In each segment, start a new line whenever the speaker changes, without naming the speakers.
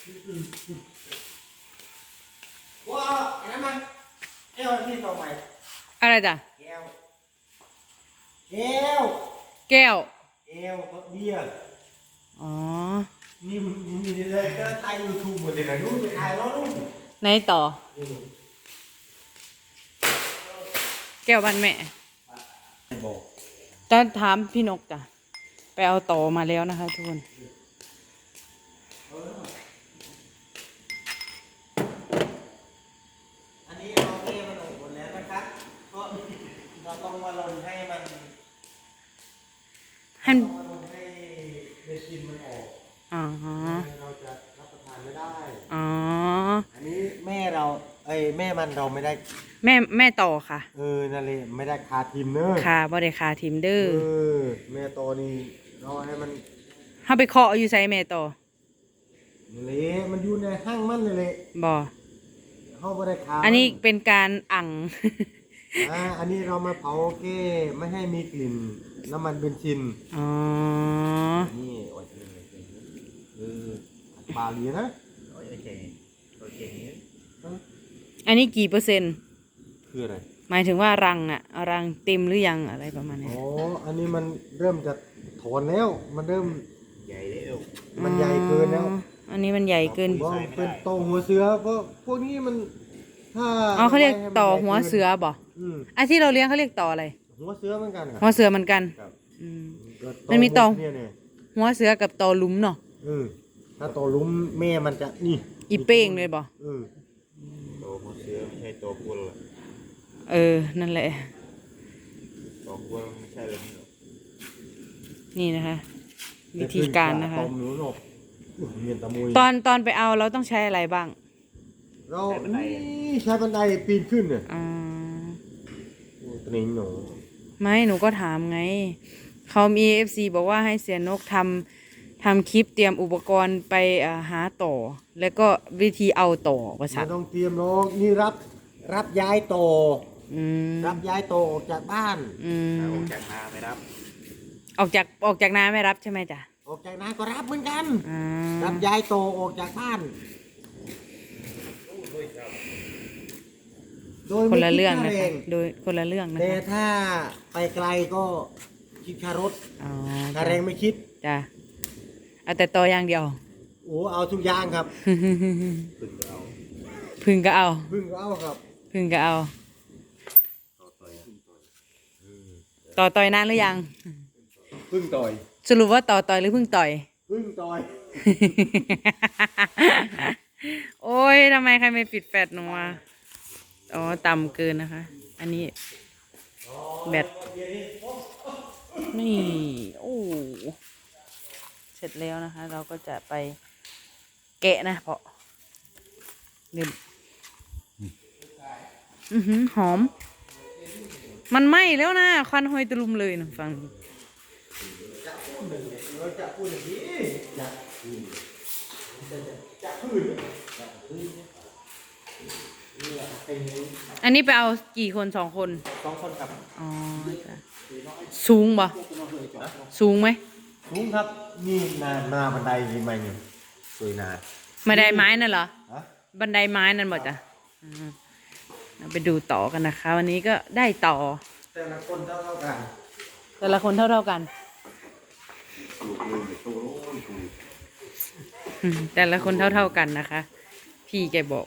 ว้าไอ้นั่นมันแก้วที่ต่อไป
อะไรจ้ะ
แก้วแก้ว
แก้ว
แก้วเบียร์
อ๋อ
นี่มีเลยก็ไทยยูทูบหมดเลยนะรู้จะถ่ายแล้วรู้
ไหนต่อแก้วบ้านแม่ตอนถามพี่นกจ้ะไปเอาต่อมาแล้วนะคะทุกคน
อันนี้เราเทมันออกหมดแล้วนะครับเพราะเราต้องมาลนให้มันให้เบสินมันออกเราจะรับประทานไม่ได้อันนี้แม่เราแม่มันเราไม่ได้
แม่ต่อค่ะ
นั่นเลยไม่ได้คาทีมเนอะ
ค่ะบ่ได้คาทีมเด้อ
แม่ต่อนี่เราให้มัน
เฮาไปเคาะอยู่ไสแม่ต่อ
เลยมันอยู่ในห้างมันเลย
บ่
เฮาบ่ได้คา
อันนี้เป็นการอั่ง
อันนี้เรามาเผาแก้ไม่ให้มีกลิ่นน้ำมันเบนซินนี่โอเคปลาลีนะโอเค
อันนี้กี่เปอร์เซ็นต์
คืออะไร
หมายถึงว่ารังน่ะรังเต็มหรือยังอะไรประมาณนี้
อันนี้มันเริ่มจะถอนแล้วมันเริ่มใหญ่แล้วมันใหญ่เกินแล้ว
อันนี้มันใหญ่เกิน
เป็นต่อหัวเสือเพราะพวกนี้มันถ้า
เขาเรียกต่อหัวเสือบ่ไอ้ที่เราเลี้ยงเขาเรียกต่ออะไร
หัวเสือเหมือนกัน
หัวเสือเหมือนกันมันมีต่อหัวเสือกับต่อลุมเนาะ
ถ้าต่อลุมแม่มันจะนี่
อีเป้งเลยบ่
ต่อหัวเสือไม่ใช่ต่อกุล
นั่นแหละ
ต่อกุลไม่ใช่เลย
นี่นะคะวิธีการนะคะตอนไปเอาเราต้องใช้อะไรบ้าง
เราใช้บันไดปีนขึ้นเนี่ยตัวนี้หนู
ไม่หนูก็ถามไงเขามี FC บอกว่าให้เสียนกทำคลิปเตรียมอุปกรณ์ไปหาต่อแล้วก็วิธีเอาต่อประชั
นต้องเตรียมน้องนี่รับย้ายต่อรับย้ายต่อออกจากบ้านออกจากนาไม่รับ
ออกจากนาไม่รับใช่ไหมจ๊ะ
ออกจากนาก็รับเหมือนกันรับย้ายต่อออกจากบ้าน
คนละเรื่องนะคะโดยคนละเรื่องนะคะ
แต่ถ้าไปไกลก็คิดค่ารถค่าแรงไม่คิด
จ้ะเอาแต่ต่ออย่างเดียว
เอาทุกอย่างครับ
พึ่งก็เอา
ครับ
พึ่งก็เอาต่อต่อยนานหรือยัง
พึ่งต่อย
สรุปว่าต่อยหรือพึ่งต่อย
พึ่งต่อย
โอ้ยทำไมใครไม่ปิดแฟลชหนูอ่ะต่ำเกินนะคะอันนี้แบตนี่เสร็จแล้วนะคะเราก็จะไปแกะนะเพราะหอมมันไหม้แล้วนะควันหอยตะลุมเลยนะฟังอันนี้ไปเอากี่คน2 คน
2 คนครับ
สูงบ่สูงไหม
สูงครับนี่นาบันไดยังไงอยู่สวยนา
บันไดไม้นั่นเหรอบันไดไม้นั่นหมดจ้ะเราไปดูต่อกันนะคะวันนี้ก็ได้ต่อ
แต่ละคนเท่ากัน
แต่ละคนเท่ากันแต่ละคนเท่ากันนะคะพี่แกบอก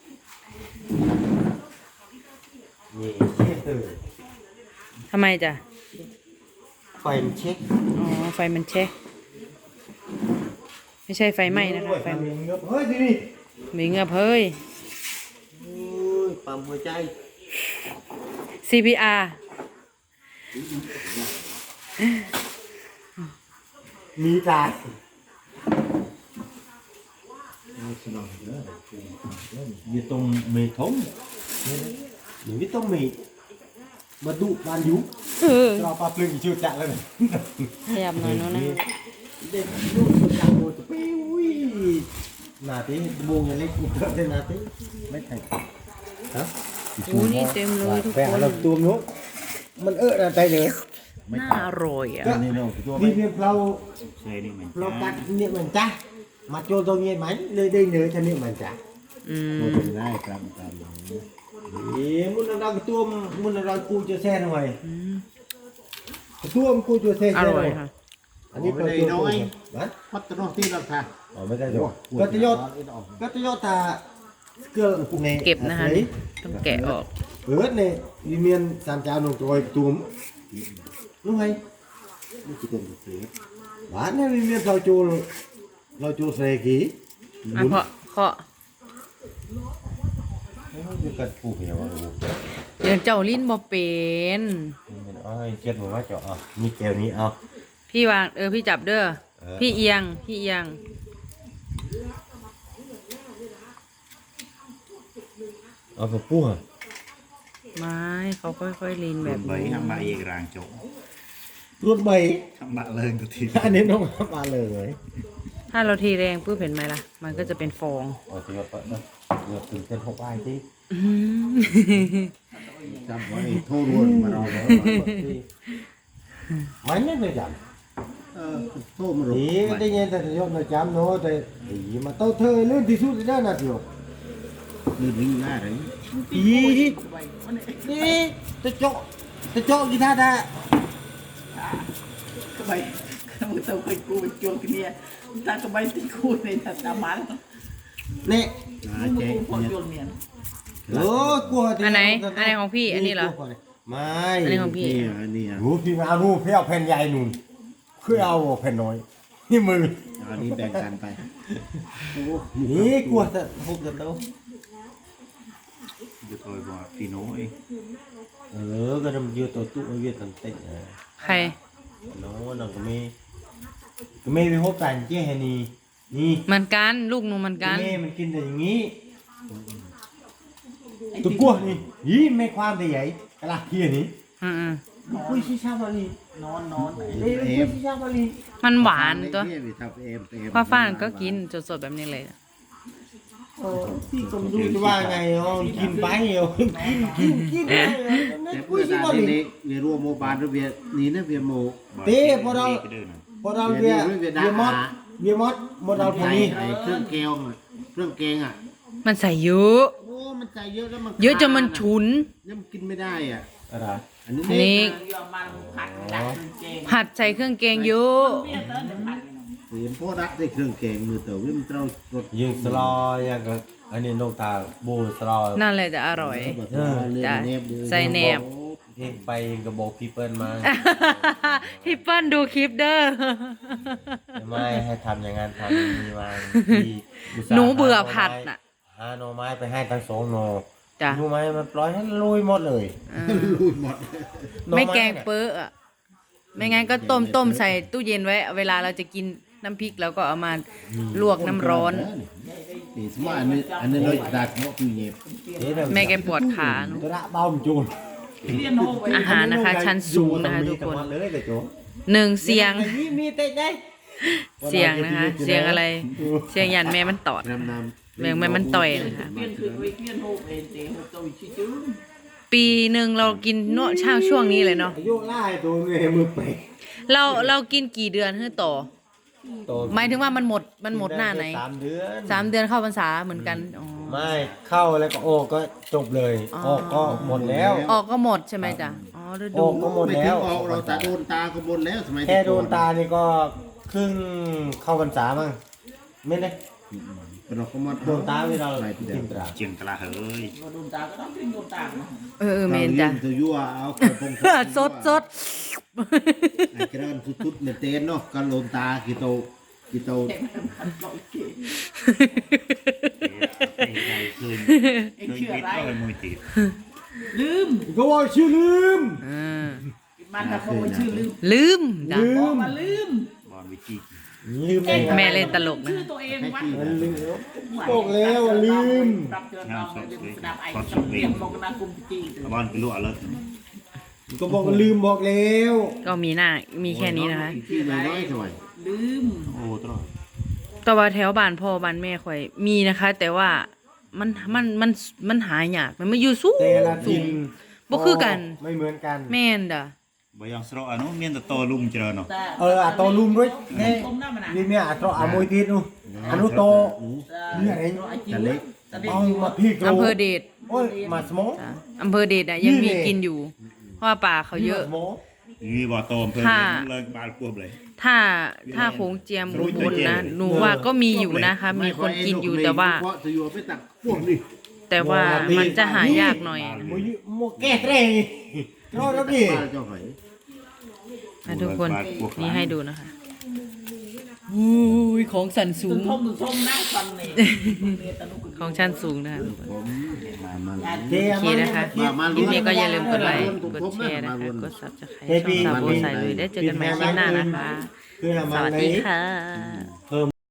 ทำไมจ้ะ
ไฟมันเช็ค
ไฟมันเช็คไม่ใช่ไฟไหม้นะคะไฟ
มีเงือบเฮ้ยนี่
มีเงือบเฮ้ย
ปั๊มหัวใจ
CPR
มีตาอยู่ตรงเมทงอยู่ที่ตรงเมทมาดูบานยุเราปลาปลึงชื่อจักเลย
ขยับหน่อยนู้นนะ
เด็กลูกสุดจักโม่ปิ้วนาทีโมงยังเล็กกูเกิดได้นาทีไม่แข่งฮะ
นี่เต็มเลยทุกคน
เราตัวนู้มันนะใจเลย
น่าอร่อยอ่ะ
นี่เนี่ยเรากัดเนี่ยเหมือนจ้ามาโจตรงนี้ไหมเลยได้เนื้อชนิดมันจ้ะ
อืม
Một tuần nay cầm cầm.
มุนเราตัวมุนเรากูจะแซ่หน่อยตัวกูจะแซ่
อร่อยค่ะ
อันนี้เป็นตัวน้อยนะ
Bắt nó tí là thà.
อ๋อไม่ได้หรอกก็จะยอดก็จะยอดตาเกลือกูใน
เก็บนะคะต้องแกะออก
này vì miền sàn trào nồng rồi túm đúng hay
Nó chỉ cần một tí.
bán này vì miền sao chua xe ký
อ่ะเคาะ
cái cần phụ hiểu không
เดี๋ยวเจ้าลิ้นบ่เป็น
mình ơi chết một mắt chọ như kèo ní ao
พี่วางพี่จับเด้อพี่เอียง
เอาไปปูอ่ะ
ไม้เขาค่อยๆลีนแบบ
แบบ
นี้
bấy hăm bạ yên ràng chỗ.
รถใบ
Hăm bạ lên từ thịt.
อันนี้น้องมาเลย
ถ้าเราทีแรงปุ๊บเห็นไหมล่ะ มันก็จะเป็นฟอง
อ๋อจะยอดนะยอดถึงเป็น6 aiที่
Chăm quá thì thô luôn mà nó đó.
ไม่ไม่เลยจับ
Thô mà
นี่
rồi.
ได้ยินแต่ยอดเราจำเนาะแต่มาเต้าเธอเรื่องที่สุดได้นะพี่
Đi đi ra đấy.
อีนี่จะเจาะกีตาร์ได้
cái bay một tàu cái cu bên chuột cái nia ta cái bay tí cu này thật là bán
เนี่ย
Đó,
một
chế.
cu con chuột miền
เออกลัว
อันไหนของพี่อันนี้เหรอ
ไม่
อันนี้ของพี่
Nè, nè.
รู้พี่มาเอาพี่เอาแผ่นใหญ่นู่นคือเอาแผ่นน้อยนี่มือ
Đó, đi bèn cằnไป.
นี่กลัวจะทุบจะโต
Được rồi bỏ tí nối.
ก็ทำยืดตัวตู้เวียดตันเต็ง
ใคร
น้องน้องก็ไม่ไปพบกันเจ๊แฮนี่นี่
เหมือนกันลูกหนูเหมือนกัน
แม่มันกินแต่อย่างนี้ตัวกลัวนี่ยี่ไม่ความแต่ใหญ่กะลาเฮียนี่
อืม
คุยชิชาบาลี
nón
เอ้ยคุยชิชาบาลี
ๆมันหวานตัว
Đấy, vì thật em, em.
ฟ้าฟ้านก็กินสดๆแบบนี้เลย
พี่ก็ไม่รู้จะว่าไงอ๋อกินไปเหรอกินไปเหรอไม่
Thế
คุย
bữa
ชิ
ra
บา
đi
ลี
đi, về rùa mô bán rồi về, ní nó về mô.
Thế, bỏ đâu? พอเราเบียร์เบียร์มอดหมดเราพวกนี้
Này,เครื่องแกงอะเครื่องแกงอ่ะ
มันใส่เยอะ
โอ้มันใส่เยอะแล้วมัน
เยอะจนมันฉุน
เนี่ยมันกินไม่ได้อ่ะ
อะไร
อันนี้
อันนี้
giờ mà phạt đặt đường chèn
ผัดใส่เครื่องแกงเยอะ
biết tới để phạt
เห็นพ่อรักได้เครื่องแกงมือเต๋อวิ่งเต้ารถ
ยิงสลอยังก็อันนี้นกตาบูสลอ
นั่นแหละจะอร่อย จ้ะใส่แหนบ
เองไปเองก็บอกพี่เปิ้ลมา
พี่เปิ้ลดูคลิปเด้อ
ไม่ให้ทำอย่างนั้นทำอย่างนี้มาพี่อุตส่าห์
หนูเบื่อผัดน่ะ
หาหน่อไม้ไปให้ทั้งสองหน่อ
จ้ะ
รู้ไหมมันปล่อยให้ลุยหมดเลย
ลุยหมด
หน่อ
ไม่
น่ะ
แกงเปื้ออะไม่งั้นก็ต้มใส่ตู้เย็นไว้ เวลาเราจะกินน้ำพริกเราก็เอามาลวกน้ำร้อน
นี่สมมติอันนี้เราดัดเนาะคือเย็บ
เอ๊ะเดี๋ยว
แม่แกปวดขาเนอะ
ตัวละเบ้ามันจูน
liên hô vậy
อาหารนะคะ ชั้นสูงนะคะทุกคน
เลยแต่โจ้
หนึ่งเสียง
มีเตะได้
เสียงนะคะ เสียงอะไร เสียงยันแม่มันตอด
น้ำน้
แม่งมันต่อยนะคะ
viênคือviên hô về để hô tôi chứ chứ
ปีหนึ่งเรากินเนอะช่วงนี้เลยเนาะ
อายุไล่ตัวเงี้ยมือเปะ
เรากินกี่เดือนให้ต่อ หมายถึงว่ามันหมดหน้าไหน
3 เดือน
เข้าพรรษาเหมือนกันอ๋อ
ไม่เข้าแล้วก็โอก็จบเลย
อ๋อ
ออกก็หมดแล้ว
ออกก็หมดใช่ไหมจ๊ะอ๋อฤ
อ
ดู
อกก็หมด
ไม่
แล้
ถึง
ว
ออกเราตาโดนตาก็หมดแล้วสมัย
แค่โดนตานี่ก็ครึ่งเข้าพรรษามั้งไม่ได้
เราก็มา
โดนตาที่เรา
ไป
กิ
เดีย
น
ว
ตรา
เจียงตลาเฮ้ย
mà đồn tà cái đó cái đồn tà mà
เมนจ้ะ
ตัวยั่วเอากระพง
สด
ไอ้กระดานทุดๆเนี่ยเต้นเนาะกันโดนตากี่โต
phạt lỗi kì
คื
anh chưa lại
มือจีบ
ลืม
ก็ว่าชื่อลืม
มันทำมาชื่อลืม
ลืมจ้ะ
บอกมาลืม
บอลวิจิ
ลืมได้ไง
แม่เล่นตลกนะ
ชื่อตัวเองวัด
มันลืมบอกแล้วว่าลืม
รับเจอน้องเลยดับไอ้ต้องเตรียมลงนากุมจี
บอลไปลู่อะไร
ก็บอกว่าลืมบอกแล้ว
ก็มีแค่นี้นะคะ
ที่น้อยๆหน่อย
ลืม
โอ้ตลอด
แต่ว่าแถวบ้านพ่อบ้านแม่ข่อยมีนะคะ แต่ว่ามันหายากมันไม่อยู่สูง
แต่ละ
สู
ทิ
ง
น
บ่คือกัน
ไม่เหมือนกัน
แม่นด่ะ
บ่ยังស្រកអានោះមានតតលុំច្រើននោះ
អាតលុំរួចនេះ
គុំណាស់ណា
វាមានអាត្រកអាមួយទៀតនោះអានោះតនេះអី
แต่เล็ก
เอามาพี่โก
อำเภอเดช
โอ้ยมาสมอง
จ้ะอำเภอเดชอะยังมีกินอยู่ เพราะว่าป่าเขาเยอะ
สมอง
នេះบ่តអំភើ
ค่ะ
ឡើងក្បាលពោះเลย
ถ้าโขงเจียมอุบลนะหนูว่าก็มีอยู่นะคะ มีคนกินอยู่แต่ว่า
เพราะจะอยู่ไปตักพวกนี้
แต่ว่ามันจะหายากหน่อย
โมแก้เตรงรอแล้วดิ
ป้าเจ้าหอย
นะทุกคนนี่ให้ดูนะคะอุ้ยของสันสู
ตึ
ง
งทมตึงทมนะฟันนี่เนี่ยตะลุก
ของชั้นสูงนะคะ
ผมมา
โอเคนะคะคลิปนี้ก็อย่าลืมกดไลค์กดแชร์นะคะ กดซับสไครต์ช่องสาวโบสายลุยได้เจอกันใหม่คลิปหน้านะคะ
คือทำ
ส
อะ
วัส
ไร
ดีค่ะ